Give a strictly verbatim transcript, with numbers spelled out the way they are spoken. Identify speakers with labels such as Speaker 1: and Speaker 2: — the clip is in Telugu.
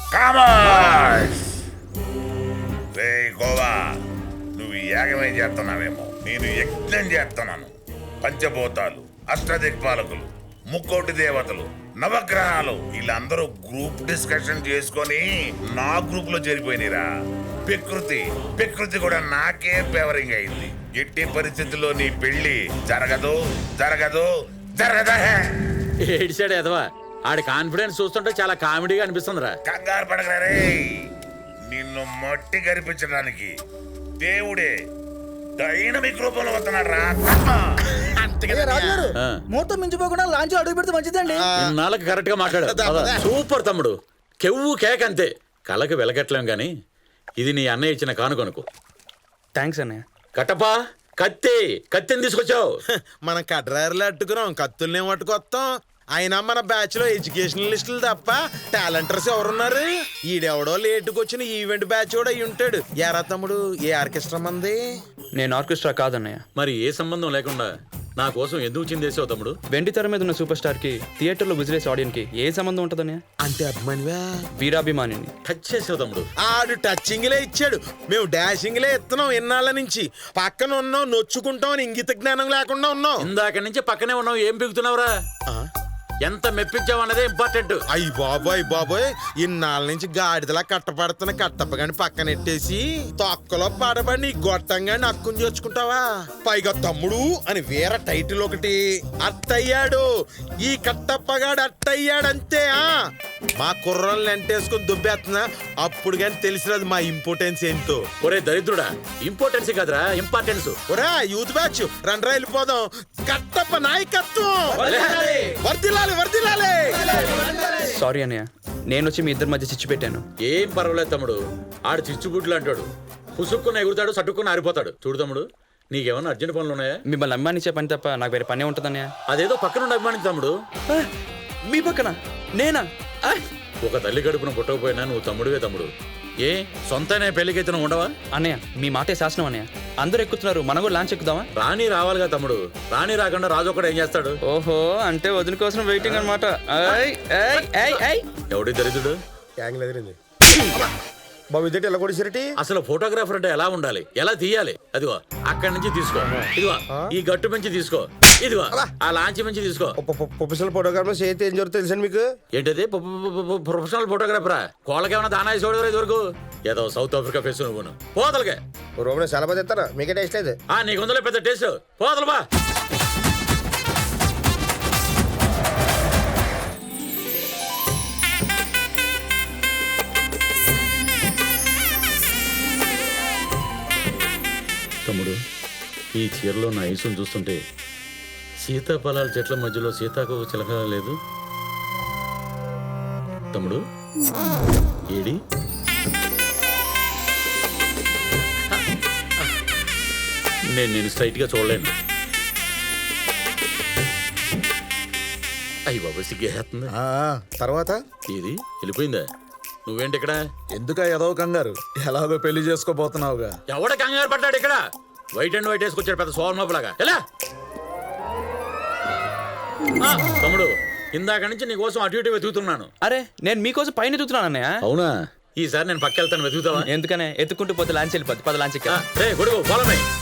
Speaker 1: కామర్స్ రే గోవా, నువ్వు యాగమేం చేస్తున్నావేమో, నేను యజ్ఞం చేస్తున్నాను. పంచభూతాలు, అష్టదిక్పాలకులు, ముక్కోటి దేవతలు, నవగ్రహాలు వీళ్ళందరూ గ్రూప్ డిస్కషన్ చేసుకొని నా గ్రూప్ లో చేరిపోయినరా. ప్రకృతి ప్రకృతి కూడా నాకే ఫేవరింగ్ అయింది. ఎట్టి పరిస్థితుల్లో నీ పెళ్లి జరగదు జరగదు జరగదా.
Speaker 2: ఏడిసాడు ఎదవా, ఆడి కాన్ఫిడెన్స్ చూస్తుంటే చాలా కామెడీగా అనిపిస్తుందిరా.
Speaker 1: కంగారు పడగరా రే, నిన్ను మట్టి కనిపించడానికి దేవుడే డైనమిక్ రూపంలో వస్తున్నాడు రా.
Speaker 3: రాజుగారు
Speaker 2: ఆ.
Speaker 3: ముహూర్తం మించిపోకుండా లాంచ్ అడుగు పెడితే మంచిదండి.
Speaker 2: ఇన్నాళ్ళకి కరెక్ట్ గా మాట్లాడు. సూపర్ తమ్ముడు, కెవ్వు కేక్ అంతే. కళ్ళకి వెలగట్లేం గాని ఇది నీ అన్నయ్య ఇచ్చిన కానుకొనుకు.
Speaker 4: థ్యాంక్స్ అన్నయ్య.
Speaker 2: కట్టపా, కత్తి కత్తిని తీసుకొచ్చావు.
Speaker 5: మనం కడ్రాయర్లు అట్టుకున్నాం, కత్తుల్ని పట్టుకొస్తాం. అయినా మన బ్యాచ్ లో ఎడ్యుకేషనల్ లిస్టులు తప్ప టాలెంటర్స్ ఎవరున్నారు? ఈడెవడో లేటుకు వచ్చిన ఈవెంట్ బ్యాచ్ కూడా అయి ఉంటాడు. ఎరా తమ్ముడు, ఏ ఆర్కెస్ట్రా మంది?
Speaker 4: నేను ఆర్కెస్ట్రా కాదన్నయ్య.
Speaker 2: మరి ఏ సంబంధం లేకుండా నా కోసం ఎందుకు చిందేసావు తమ్ముడు?
Speaker 4: వెండి తెర మీద ఉన్న సూపర్ స్టార్ కి థియేటర్ లో విజిలేస్ ఆడియన్స్ కి ఏ సంబంధం ఉంటదన్నయ్య?
Speaker 5: అంటే అభిమానివా?
Speaker 4: వీరాభిమానిని.
Speaker 2: టచ్ చేసావు తమ్ముడు.
Speaker 5: ఆడు టచ్చింగ్లే ఇచ్చాడు, మేము డాషింగ్లే ఎత్తున్నాం. ఎన్నాళ్ళ నుంచి పక్కన ఉన్నాం, నొచ్చుకుంటాం అని ఇంగిత జ్ఞానం లేకుండా ఉన్నాం.
Speaker 2: ఇందాక నుంచి పక్కనే ఉన్నావు, ఏం పీకుతున్నావురా? ఎంత మెప్పించావు అన్నదే ఇంపార్టెంట్.
Speaker 5: అయ్యి బాబోయ్ బాబోయ్, ఇన్నాళ్ళ నుంచి గాడిదలా కట్టపడుతున్న కట్టప్పగాని పక్కనెట్టేసి తొక్కలో పడబడి నీ గొట్టంగాని అక్కుని చేర్చుకుంటావా? పైగా తమ్ముడు అని వేరే టైటిల్ ఒకటి. అట్టయ్యాడు ఈ కట్టప్పగాడు, అట్టయ్యాడంతే. ఆ మా కుర్రల్ని ఎంటేసుకుని దుబ్బేస్తున్నా, అప్పుడు కానీ తెలిసినది మా ఇంపార్టెన్స్ ఏంటో.
Speaker 2: ఒరే దరిద్రుడా, ఇంపార్టెన్స్ కాదురా ఇంపార్టెన్స్.
Speaker 5: ఒరే యూత్ బ్యాచ్, రండ్రా వెళ్ళిపోదాం. కట్టప్ప నాయకత్వం వర్దిలాలి వర్దిలాలి.
Speaker 4: సారీ అన్నయ్య, నేను వచ్చి మీ ఇద్దరి మధ్య చిచ్చు పెట్టాను.
Speaker 2: ఏం పర్వాలేదు తమ్ముడు, ఆడు చిచ్చుబుడ్లు అంటాడు. పుసుక్కున ఎగురుతాడు, సట్టుకుని ఆరిపోతాడు. చూడు తమ్ముడు, నీకేమన్నా అర్జెంట్ పనులు ఉన్నాయా?
Speaker 4: మిమ్మల్ని అభిమానించే పని తప్ప నాకు వేరే పనే ఉంటుందన్నయ్య.
Speaker 2: అదేదో పక్కనుండి అభిమానించు తమ్ముడు.
Speaker 4: ఆ, మీ పక్కన నేనా? ఆ,
Speaker 2: ఒక తల్లి గడుపున పుట్టకపోయినా నువ్వు తమ్ముడివే తమ్ముడు. ఏ సొంతనే పెళ్లికైతే నువ్వు ఉండవా?
Speaker 4: అన్నయ్య మీ మాటే శాసనం అన్నయ్య. అందరూ ఎక్కుతున్నారు, మనం కూడా లాంచ్ ఎక్కుదామా?
Speaker 2: రాణి రావాలిగా తమ్ముడు. రాణి రాకుండా రాజు ఒక్కడు ఏం చేస్తాడు?
Speaker 4: ఓహో, అంటే వదిన కోసం వెయిటింగ్ అనమాట.
Speaker 2: ఎవడి దరిద్రుడు?
Speaker 3: బాబు ఇదేంటి ఎలా కొడిసిరటి?
Speaker 2: అసలు ఫోటోగ్రాఫర్ అంటే ఎలా ఉండాలి, ఎలా తీయాలి? అదిగో అక్కడి నుంచి తీసుకో, ఇదిగో ఈ గట్టు నుంచి తీసుకో, ఇదిగో ఆ లాంచ్ నుంచి తీసుకో.
Speaker 3: ప్రొఫెషనల్ ఫోటోగ్రాఫర్ చేస్తే ఏం జరుగుతుంది తెలుసండి మీకు?
Speaker 2: ఏంటది ప్రొఫెషనల్ ఫోటోగ్రాఫరా? కోళ్ళకేమన్నా దానా వేసి చూడదు ఇదివరకు. ఏదో సౌత్ ఆఫ్రికా ఫేస్ నువ్వు పోతలకే.
Speaker 3: రూమ్ చాలా మంది ఇస్తారా, మీకే టేస్ట్ లేదు.
Speaker 2: ఆ నీకు ఉందలే పెద్ద టేస్ట్, పోతలు బా. తమ్ముడు, ఈ చీరలో నా ఐసును చూస్తుంటే సీతాఫలాల చెట్ల మధ్యలో సీతాకోక చిలక లేదు తమ్ముడు. ఏడి నేను నేను స్ట్రైట్ గా చూడలేను. అయ్యి బాబా సిగ్గేస్తుంది.
Speaker 3: తర్వాత
Speaker 2: ఇది వెళ్ళిపోయిందా? నువ్వేంటి ఇక్కడ?
Speaker 6: ఎందుక ఏదో కంగారు, ఎలాగో పెళ్లి చేసుకోబోతున్నావుగా.
Speaker 2: ఎవడ కంగారు పడ్డాడు ఇక్కడ? వైట్ అండ్ వైట్ వేసుకొచ్చాడు పెద్ద సోమలాగా. ఎలా తమ్ముడు, ఇందాక నుంచి నీ కోసం అటు ఇటు వెతుకుతున్నాను.
Speaker 4: అరే నేను మీకోసం పైన ఎదుగుతున్నాను అన్నయ్య.
Speaker 2: అవునా? ఈసారి నేను పక్క వెళ్తాను, వెతుకుతావా?
Speaker 4: ఎందుకనే? ఎత్తుకుంటూ పోతే లాంచ్ వెళ్ళిపోద్ది. పద లాంచ్.
Speaker 2: రే గొడుగు పోలమే.